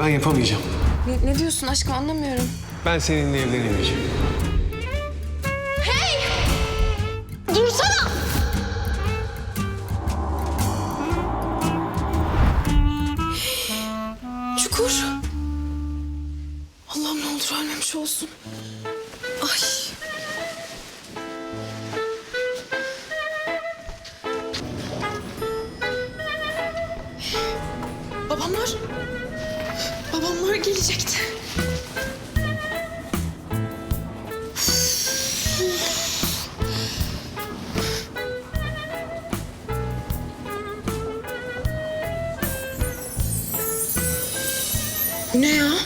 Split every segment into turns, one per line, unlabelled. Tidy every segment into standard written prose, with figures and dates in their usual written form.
Ben yapamayacağım.
Ne diyorsun aşkım anlamıyorum.
Ben seninle evlenemeyeceğim.
Dursana! Çukur. Allah'ım ne olur ölmemiş olsun. Ay. Babamlar. Babamlar gelecekti. Bu ne ya?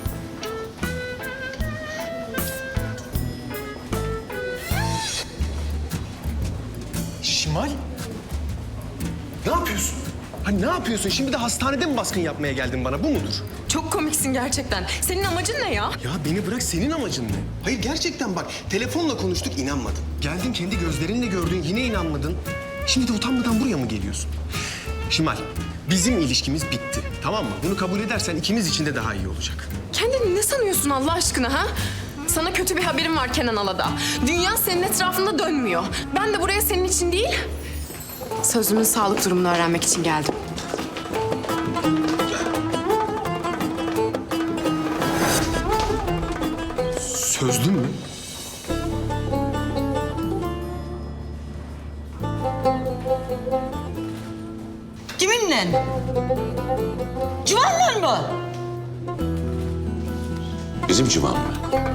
Şimal? Ne yapıyorsun? Ha ne yapıyorsun? Şimdi de hastanede mi baskın yapmaya geldin bana? Bu mudur?
Çok komiksin gerçekten. Senin amacın ne ya?
Ya beni bırak, senin amacın ne? Hayır gerçekten bak, telefonla konuştuk, inanmadın. Geldin kendi gözlerinle gördün, yine inanmadın. Şimdi de utanmadan buraya mı geliyorsun? Şimal, bizim ilişkimiz bitti. Tamam mı? Bunu kabul edersen ikimiz için de daha iyi olacak.
Kendini ne sanıyorsun Allah aşkına ha? Sana kötü bir haberim var Kenan Alada. Dünya senin etrafında dönmüyor. Ben de buraya senin için değil, sözümün sağlık durumunu öğrenmek için geldim.
Sözlü mü?
Kiminle? Civanla mı?
Bizim civan mı?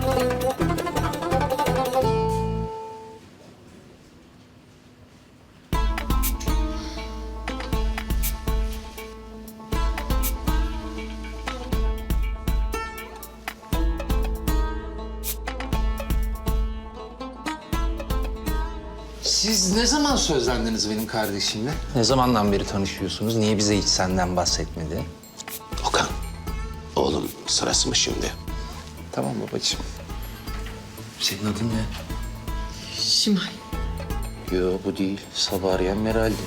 Siz ne zaman sözlendiniz benim kardeşimle? Ne zamandan beri tanışıyorsunuz? Niye bize hiç senden bahsetmedi?
Okan, oğlum sırası mı şimdi?
Tamam babacığım. Senin adın ne?
Şimal.
Yo bu değil. Sabah arayan Meral'di.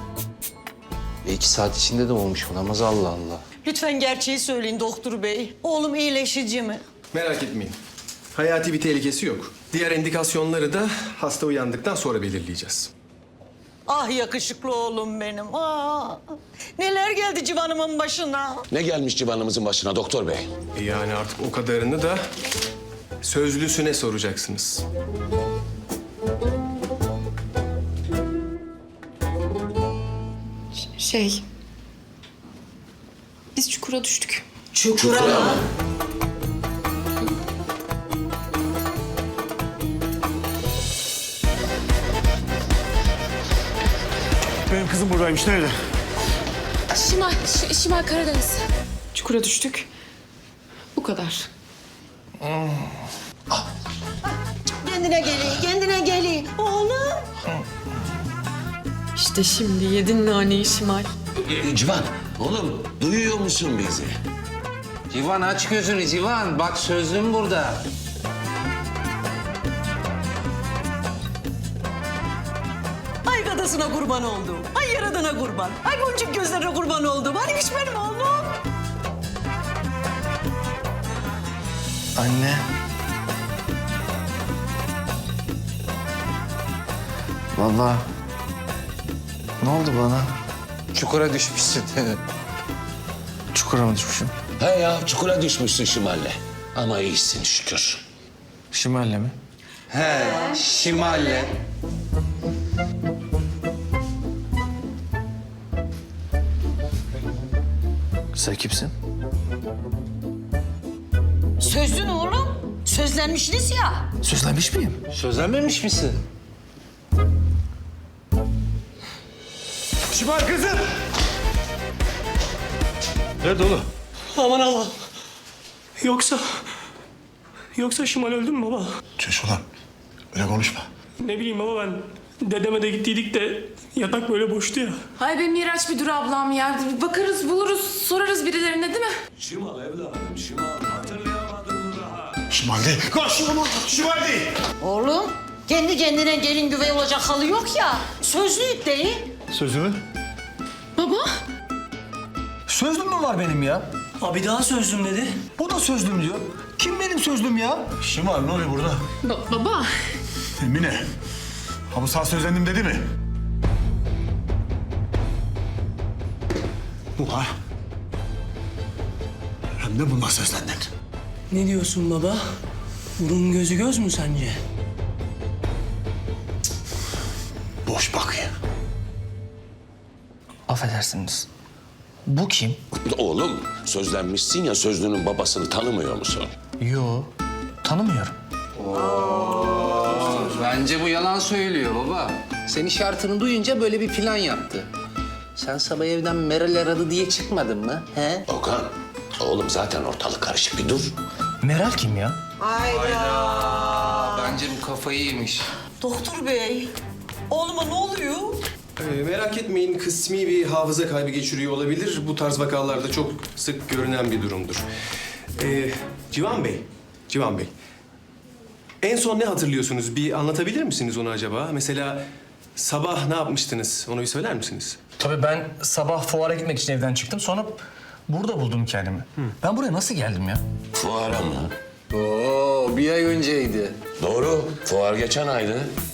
2 saat içinde de olmuş olamaz Allah Allah.
Lütfen gerçeği söyleyin doktor bey. Oğlum iyileşici mi?
Merak etmeyin. Hayati bir tehlikesi yok. Diğer indikasyonları da hasta uyandıktan sonra belirleyeceğiz.
Ah yakışıklı oğlum benim. Ah. Neler geldi civanımın başına?
Ne gelmiş civanımızın başına doktor bey?
Yani artık o kadarını da sözlüsüne soracaksınız.
Biz çukura düştük.
Çukura mı?
Benim kızım buradaymış. Nerede?
Şimal Karadeniz. Çukura düştük. Bu kadar.
Kendine gelin, kendine gelin. Oğlum.
İşte şimdi yedin naneyi Şimal.
Civan, oğlum duyuyor musun bizi?
Civan aç gözünü Civan. Bak sözlüm burada.
Ay gadasına kurban oldum. Ay yaradana kurban. Ay boncuk gözlerine kurban oldum. Hanimiş benim oğlum.
Anne. Vallahi ne oldu bana?
Çukura düşmüşsün.
Çukura mı düşmüşüm?
He ya, çukura düşmüşsün Şimal'le. Ama iyisin şükür.
Şimal'le mi?
He, Şimal'le.
Sen kimsin?
Sözlün oğlum. Sözlenmişsiniz ya.
Sözlenmiş miyim?
Sözlenmemiş misin?
Şimal kızım! Nerede oğlum?
Aman Allah'ım. Yoksa Şimal öldü mü baba?
Çüş ulan. Öyle konuşma.
Ne bileyim baba ben dedeme de gittiydik de yatak böyle boştu ya.
Ay be Miraç bir dur ablam ya. Bakarız buluruz sorarız birilerine değil mi?
Şimal değil. Koş! Şimal değil.
Oğlum kendi kendine gelin güvey olacak halı yok ya. Sözlüyük değil.
Sözümü?
Baba.
Sözlüm mü var benim ya?
Abi daha sözlüm dedi.
Bu da sözlüm diyor. Kim benim sözlüm ya?
Şimal ne oluyor burada?
Baba.
Emine. Ha bu sağ sözlendim dedi mi? Bu ha. Hem de bununla sözlendin.
Ne diyorsun baba? Burun gözü göz mü sence?
Boş bakıyor.
Affedersiniz. Bu kim?
Oğlum sözlenmişsin ya sözlünün babasını tanımıyor musun?
Yo, tanımıyorum.
Bence bu yalan söylüyor baba. Senin şartını duyunca böyle bir plan yaptı. Sen sabah evden Meral aradı diye çıkmadın mı? He?
Okan, oğlum zaten ortalık karışık bir dur.
Meral kim ya?
Bence bu kafayı yemiş.
Doktor bey, oğluma ne oluyor?
Merak etmeyin, kısmi bir hafıza kaybı geçiriyor olabilir. Bu tarz vakalarda çok sık görünen bir durumdur. Civan Bey, Civan Bey. En son ne hatırlıyorsunuz? Bir anlatabilir misiniz onu acaba? Mesela sabah ne yapmıştınız? Onu bir söyler misiniz?
Tabii ben sabah fuara gitmek için evden çıktım. Sonra burada buldum kendimi. Ben buraya nasıl geldim ya?
Fuara mı?
Oo, bir ay önceydi.
Doğru, fuar geçen aydı.